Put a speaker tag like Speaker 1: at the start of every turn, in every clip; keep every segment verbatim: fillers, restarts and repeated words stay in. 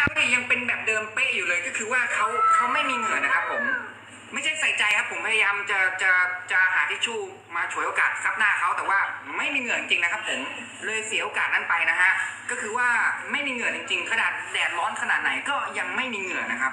Speaker 1: เนี่ยยังเป็นแบบเดิมเป๊ะอยู่เลยก็คือว่าเขาเขาไม่มีเหงื่อนะครับผมไม่ใช่ใส่ใจครับผมพยายามจะจะจะหาทิชชู่มาฉวยโอกาสซับหน้าเขาแต่ว่าไม่มีเหงื่อจริงๆนะครับผมเลยเสียโอกาสนั้นไปนะฮะก็คือว่าไม่มีเหงื่อจริงๆขนาดแดดร้อนขนาดไหนก็ยังไม่มีเหงื่อนะครับ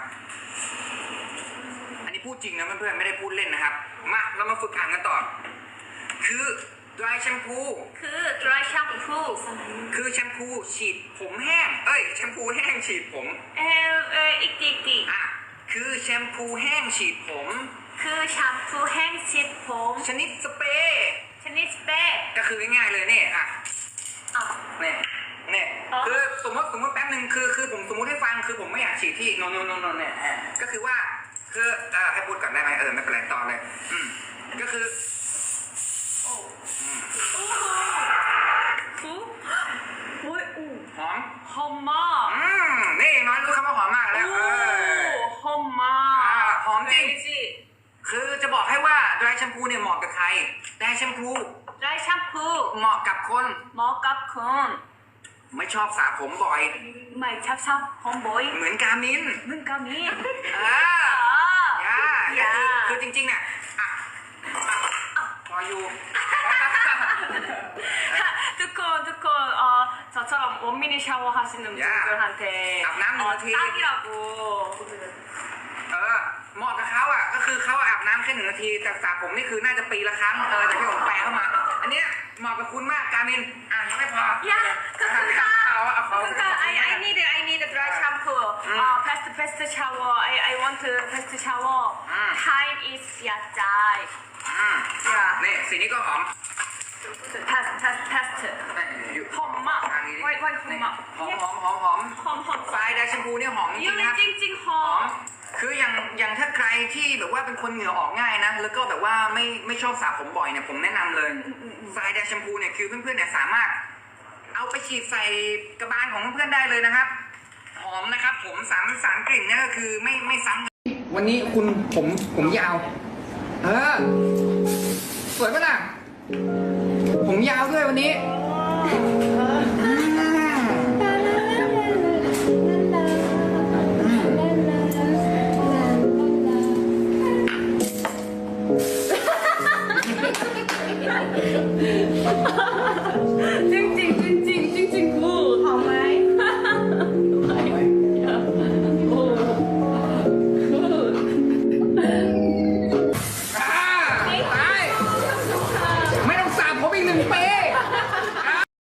Speaker 1: อันนี้พูดจริงนะเพื่อนๆไม่ได้พูดเล่นนะครับมาเรามาฝึกอ่านกันต่อคือ dry shampoo
Speaker 2: คือ dry shampoo
Speaker 1: คือแชมพูฉีดผมแห้งเอ้ยแชมพูแห้งฉีดผม
Speaker 2: เออเอออีกทีอีกที
Speaker 1: อ่ะคือแชมพูแห้งฉีดผม
Speaker 2: คือแชมพูแห้งฉีดผม
Speaker 1: ชนิดสเปรย์
Speaker 2: ชนิดสเปรย์
Speaker 1: ก็คือง่ายๆเลยเนี่ยอ่ะ
Speaker 2: อ๋อ
Speaker 1: เนี่ยเนี่ย
Speaker 2: อ๋อ
Speaker 1: คือสมมติสมมติแป๊บหนึ่งคือคือผมสมมติให้ฟังคือผมไม่อยากฉีดที่โนโนโนโนเนี่ยอ่ะก็คือว่าคือเอ่อให้พูดก่อนได้ไหมเออไม่เป็นไรต่อเลยอืมก็คือ
Speaker 2: โอ้โอ้โหโอ้ยอู้
Speaker 1: หอม
Speaker 2: หอมมาก
Speaker 1: อืมนี่น้อยรู้คำว่าหอมมากแล้วเออ
Speaker 2: หอมมา
Speaker 1: อ่าก หอมจริง
Speaker 2: สิ
Speaker 1: คือจะบอกให้ว่า dry shampoo เนี่ยเหมาะกับใคร dry shampoo
Speaker 2: dry shampoo
Speaker 1: เหมาะกับคน
Speaker 2: เหมาะกับคน
Speaker 1: ไม่ชอบสระผมบ่อย
Speaker 2: ไม่ชอบชอบหอมบ่อย
Speaker 1: เหมือนกามิน
Speaker 2: มึงก็มี
Speaker 1: อ่า
Speaker 2: อ๋อ
Speaker 1: ย่า
Speaker 2: อย่า
Speaker 1: คือคือจริงๆเนี่ยอ่ะอ่ะพออยู่
Speaker 2: ทุกคนทุกคนเอ่อ저처럼 원민이 샤워하시는
Speaker 1: 야.
Speaker 2: 분들한테
Speaker 1: 아브남
Speaker 2: 어,
Speaker 1: 누구지?
Speaker 2: 딱이라고
Speaker 1: เออเหมาะกับเขาอ่ะก็คือเขาอาบน้ำแค่หนึ่งนาทีแต่สระผมนี่คือน่าจะปีละครั้งเออแต่ที่ผมแปลเข้ามา อันเนี้ยเหมาะกับคุณมากกามินอ่ะยังไม่พอ
Speaker 2: 야 그러니까
Speaker 1: เอาเอาเขา
Speaker 2: 그러니까 I I need I need a dry shampoo
Speaker 1: 음.
Speaker 2: 어 fast fast shower I I want to fast shower
Speaker 1: 음.
Speaker 2: time is ya die
Speaker 1: อืม
Speaker 2: อย่า
Speaker 1: นี่สีนี้ก็หอม
Speaker 2: fast fast fast
Speaker 1: อยู่
Speaker 2: หอมมาก
Speaker 1: ทางนี้
Speaker 2: ไว้ไว้หอมมาก
Speaker 1: หอมหอมหอมหอม
Speaker 2: หอมหอม
Speaker 1: ไฟไดร์แชมพูเนี่ยหอมจริ
Speaker 2: ยู
Speaker 1: งๆ
Speaker 2: ริ
Speaker 1: นะ
Speaker 2: จริงจริงๆหอ
Speaker 1: หอ
Speaker 2: ม
Speaker 1: มคืออย่างอย่างถ้าใครที่แบบว่าเป็นคนเหงื่อออกง่ายนะ แล้วก็แบบว่าไม่ไม่ชอบสระผมบ่อยเนี่ยผมแนะนำเลยไฟไดร์แชมพูเนี่ยคือเพื่อนๆเนี่ยสามารถเอาไปฉีดใส่กระบาลของเพื่อนๆได้เลยนะครับ หอมนะครับผมสามสารกลิ่นเนี่ยก็คือไม่ไม่ซ้ำวันนี้คุณผมผมยาว เออสวยปะล่ะผมยาวด้วยวันนี้